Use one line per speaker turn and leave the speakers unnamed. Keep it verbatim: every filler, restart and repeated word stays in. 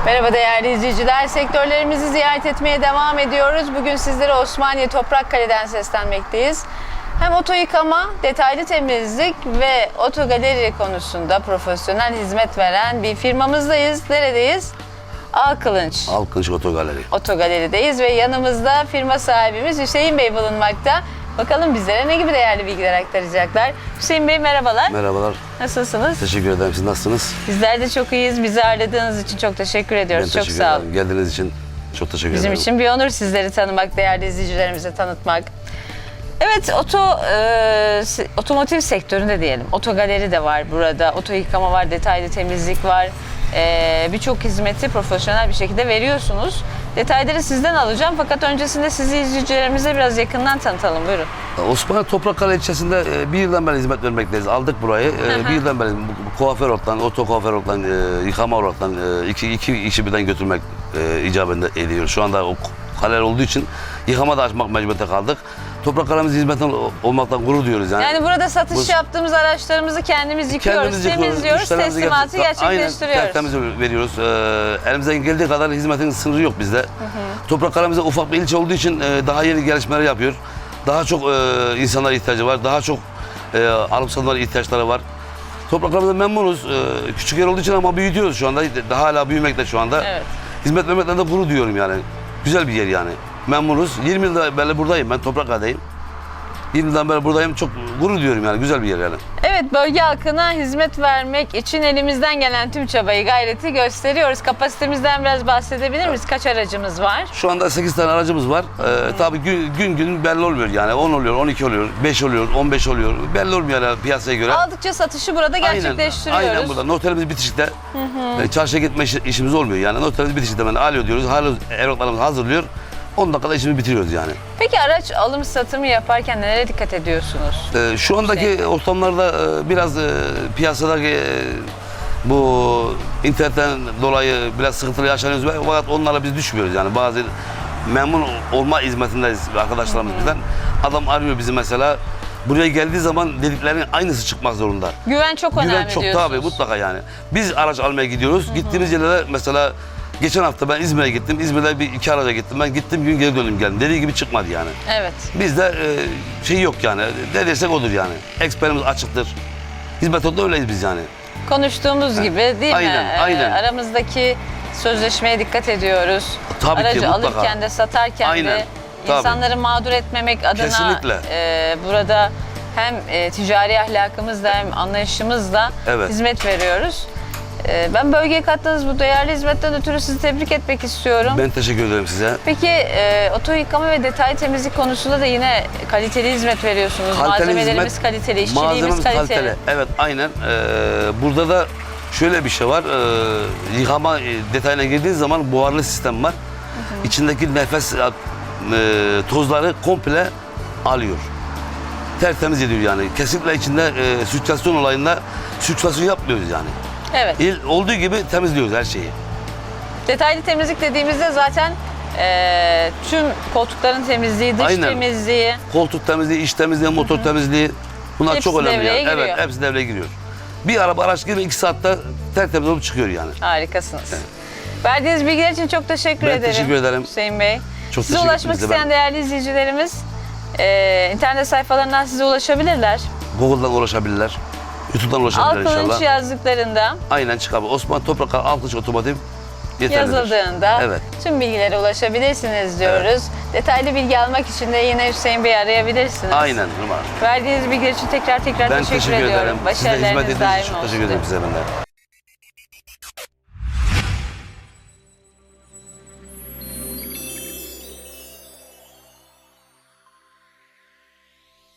Merhaba değerli izleyiciler. Sektörlerimizi ziyaret etmeye devam ediyoruz. Bugün sizlere Osmaniye Toprakkale'den seslenmekteyiz. Hem oto yıkama, detaylı temizlik ve oto galeri konusunda profesyonel hizmet veren bir firmamızdayız. Neredeyiz? Alkılınç.
Alkılınç Oto Galeri.
Oto Galeri'deyiz ve yanımızda firma sahibimiz Hüseyin Bey bulunmakta. Bakalım bizlere ne gibi değerli bilgiler aktaracaklar. Hüseyin Bey merhabalar.
Merhabalar.
Nasılsınız?
Teşekkür ederim. Siz nasılsınız?
Bizler de çok iyiyiz. Bizi ağırladığınız için çok teşekkür ediyoruz.
Ben
çok
teşekkür
sağ olun.
ederim. Geldiğiniz için çok teşekkür
Bizim
ederim.
için bir onur sizleri tanımak, değerli izleyicilerimize tanıtmak. Evet, oto e, otomotiv sektöründe diyelim. Oto galeri de var burada. Oto yıkama var, detaylı temizlik var. E, Birçok hizmeti profesyonel bir şekilde veriyorsunuz. Detayları sizden alacağım fakat öncesinde sizi izleyicilerimize biraz yakından tanıtalım. Buyurun.
Osmaniye Toprakkale ilçesinde e, bir yıldan beri hizmet vermekteyiz. Aldık burayı. E, bir yıldan beri bu, bu kuaför olarak, oto kuaför olarak, e, yıkama olarak e, iki, iki işi birden götürmek e, icabında ediyor. Şu anda o kaleler olduğu için yıkama da açmak mecburiyete kaldık. Toprakkale'miz hizmetten olmaktan gurur duyuyoruz yani.
Yani burada satış
Bu,
yaptığımız araçlarımızı kendimiz yıkıyoruz,
kendimiz yıkıyoruz,
temizliyoruz,
müşterilerimize
teslimatı
gerçek-
gerçekleştiriyoruz.
Aynen, tertemiz veriyoruz. Ee, elimizden geldiği kadar hizmetin sınırı yok bizde. Toprakkale'mize ufak bir ilçe olduğu için e, daha yeni gelişmeler yapıyor. Daha çok e, insanlara ihtiyacı var, daha çok e, alıp satılan ihtiyaçları var. Toprakkale'mizden memnunuz. E, küçük yer olduğu için ama büyütüyoruz şu anda. Daha hala büyümekte şu anda.
Evet.
Hizmet vermekten de gurur duyuyorum yani. Güzel bir yer yani. Memnunuz. yirmi yıldan beri buradayım ben, Toprakkale'deyim. yirmi yıldan beri buradayım. Çok gurur duyuyorum yani. Güzel bir yer yani.
Evet, bölge halkına hizmet vermek için elimizden gelen tüm çabayı, gayreti gösteriyoruz. Kapasitemizden biraz bahsedebilir miyiz? Kaç aracımız var?
Şu anda sekiz tane aracımız var. Ee, tabii gün, gün gün belli olmuyor yani. on oluyor, on iki oluyor, beş oluyor, on beş oluyor. Belli olmuyor yani piyasaya göre.
Aldıkça satışı burada gerçekleştiriyoruz.
Aynen, aynen burada. Noterimiz bitişikte. Hı hı. E, çarşıya gitme iş- işimiz olmuyor yani. Noterimiz bitişikte ben alo diyoruz. Alo evraklarımızı hazırlıyor. on dakikada işimizi bitiriyoruz yani.
Peki araç alım satımı yaparken nelere dikkat ediyorsunuz?
Ee, şu andaki
Şey.
ortamlarda e, biraz e, piyasadaki e, bu internetten dolayı biraz sıkıntılı yaşanıyoruz ve fakat onlara biz düşmüyoruz yani. Bazı memnun olma hizmetindeyiz arkadaşlarımız bizden. Adam arıyor bizi mesela. Buraya geldiği zaman dediklerinin aynısı çıkmak zorunda.
Güven çok önemli
Güven çok
diyorsunuz.
tabii mutlaka yani. Biz araç almaya gidiyoruz. Hı hı. Gittiğimiz yerlere mesela geçen hafta ben İzmir'e gittim. İzmir'de bir iki araca gittim. Ben gittim gün geri döndüm geldim. Dediği gibi çıkmadı yani.
Evet.
Bizde e, şey yok yani. Ne desek odur yani. Eksperimiz açıktır. Hizmet odada öyleyiz biz yani.
Konuştuğumuz gibi değil
Aynen,
mi? Ee,
aynen.
Aramızdaki sözleşmeye dikkat ediyoruz.
Tabii ki,
Aracı
mutlaka.
alırken de satarken
Aynen,
de
tabii.
insanları mağdur etmemek adına
Kesinlikle.
e, burada hem e, ticari ahlakımızla hem anlayışımızla
Evet.
hizmet veriyoruz. E, ben bölgeye kattığınız bu değerli hizmetten ötürü sizi tebrik etmek istiyorum.
Ben teşekkür ederim size.
Peki e, oto yıkama ve detaylı temizlik konusunda da yine kaliteli hizmet veriyorsunuz.
Kaliteli
Malzemelerimiz
hizmet,
kaliteli, işçiliğimiz
malzememiz
kaliteli.
Evet aynen. Ee, burada da şöyle bir şey var. Ee, yıkama e, detayına girdiğiniz zaman buharlı sistem var. Hı hı. İçindeki nefes e, tozları komple alıyor. Tertemiz ediyor yani. Kesinlikle içinde e, sirkülasyon olayında sirkülasyon yapmıyoruz yani.
Evet.
İl, olduğu gibi temizliyoruz her şeyi.
Detaylı temizlik dediğimizde zaten e, tüm koltukların temizliği, dış
Aynen.
temizliği.
Koltuk temizliği, iç temizliği, motor temizliği. Bunlar
Hepsi
çok önemli
devreye
yani.
giriyor.
Evet, hepsi devreye giriyor. Bir araba araç gibi iki saatte tertemiz olup çıkıyor yani.
Harikasınız.
Evet.
Verdiğiniz bilgiler için çok teşekkür
Ben
ederim.
teşekkür ederim.
Hüseyin Bey.
Çok
Size
teşekkür
ulaşmak
ederim.
isteyen değerli izleyicilerimiz e, internet sayfalarından size ulaşabilirler.
Google'dan ulaşabilirler. YouTube'dan ulaşabilirler
Alkılınç
inşallah.
yazdıklarında,
Aynen çıkabilir. Osman Toprakkale Alkılınç Otomotiv yeterlidir.
yazıldığında
Evet.
tüm bilgilere ulaşabilirsiniz diyoruz. Detaylı bilgi almak için de yine Hüseyin Bey'i arayabilirsiniz.
Aynen. Numara.
Verdiğiniz bilgiler için tekrar tekrar
Ben
teşekkür,
teşekkür
ediyorum.
ederim. Siz de hizmet
Başarılarınız
ettiğiniz
daim
için çok
olsun.
teşekkür ederim size ben de.